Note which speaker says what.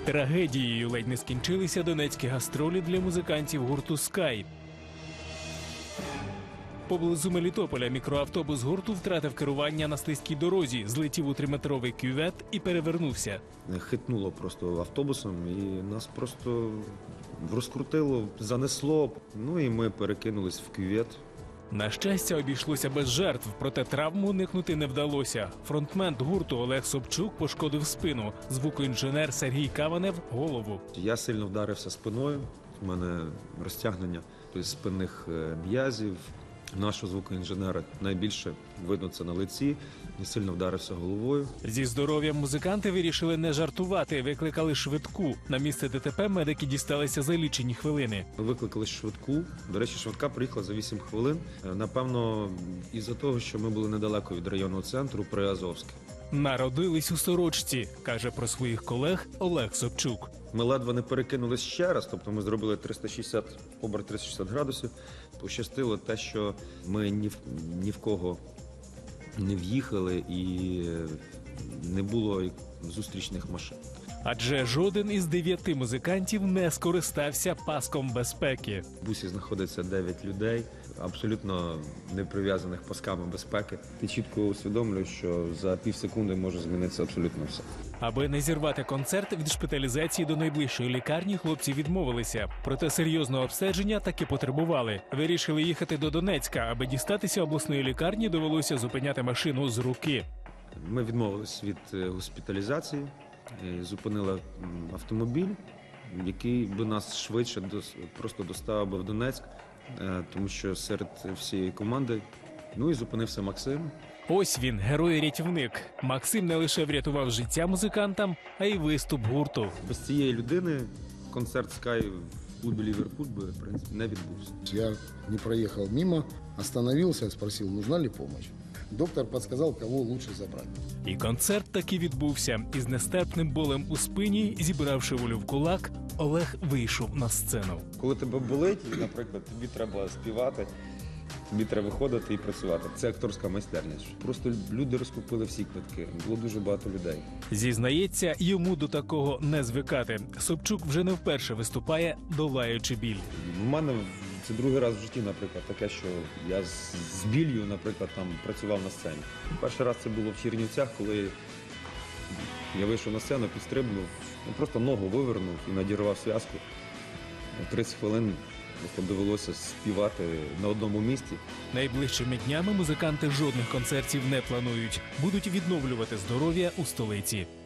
Speaker 1: Трагедією ледь не скінчилися донецькі гастролі для музикантів гурту «Скай». Поблизу Мелітополя мікроавтобус гурту втратив керування на слизькій дорозі, злетів у 3-метровий кювет і перевернувся.
Speaker 2: Хитнуло просто автобусом і нас просто розкрутило, занесло. Ну і ми перекинулись в кювет.
Speaker 1: На щастя, обійшлося без жертв, проте травм уникнути не вдалося. Фронтмен гурту Олег Собчук пошкодив спину, звукоінженер Сергій Каванев – голову.
Speaker 2: Я сильно вдарився спиною, у мене розтягнення спинних м'язів. Нашого звукоінженера найбільше видно це на лиці, і сильно вдарився головою.
Speaker 1: Зі здоров'ям музиканти вирішили не жартувати, викликали швидку. На місце ДТП медики дісталися за лічені хвилини.
Speaker 2: Ми викликали швидку. До речі, швидка приїхала за 8 хвилин. Напевно, із-за того, що ми були недалеко від районного центру Приазовське.
Speaker 1: Народились у сорочці, каже про своїх колег Олег Собчук.
Speaker 2: Ми ледве не перекинулись ще раз, тобто ми зробили оберт 360 градусів. Пощастило те, що ми ні в кого не в'їхали і не було зустрічних машин.
Speaker 1: Адже жоден із 9 музикантів не скористався паском безпеки.
Speaker 2: В бусі знаходиться 9 людей, абсолютно не прив'язаних пасками безпеки. Ти чітко усвідомлюєш, що за півсекунди може змінитися абсолютно все.
Speaker 1: Аби не зірвати концерт, від шпиталізації до найближчої лікарні хлопці відмовилися. Проте серйозного обстеження таки потребували. Вирішили їхати до Донецька. Аби дістатися обласної лікарні, довелося зупиняти машину з руки.
Speaker 2: Ми відмовились від госпіталізації, зупинили автомобіль, який би нас швидше просто доставив би в Донецьк, тому що серед всієї команди, ну і зупинився Максим.
Speaker 1: Ось він, герой-рятівник. Максим не лише врятував життя музикантам, а й виступ гурту.
Speaker 2: Без цієї людини концерт «Скай» в клубі «Ліверпуль» би, в принципі, не відбувся.
Speaker 3: Я не проехал мимо, остановился, спросил, нужна ли помощь. Доктор подсказал, кого лучше забрать.
Speaker 1: І концерт таки відбувся. Із нестерпним болем у спині, зібравши волю в кулак, Олег вийшов на сцену.
Speaker 2: Коли тебе болить, наприклад, тобі треба співати, тобі треба виходити і працювати. Це акторська майстерність. Просто люди розкупили всі квитки, було дуже багато людей.
Speaker 1: Зізнається, йому до такого не звикати. Собчук вже не вперше виступає, долаючи біль.
Speaker 2: У мене це другий раз в житті, наприклад, таке, що я з біллю, наприклад, там працював на сцені. Перший раз це було в Чернівцях, коли я вийшов на сцену, підстрибнув, просто ногу вивернув і надірвав зв'язку. 30 хвилин просто довелося співати на одному місці.
Speaker 1: Найближчими днями музиканти жодних концертів не планують. Будуть відновлювати здоров'я у столиці.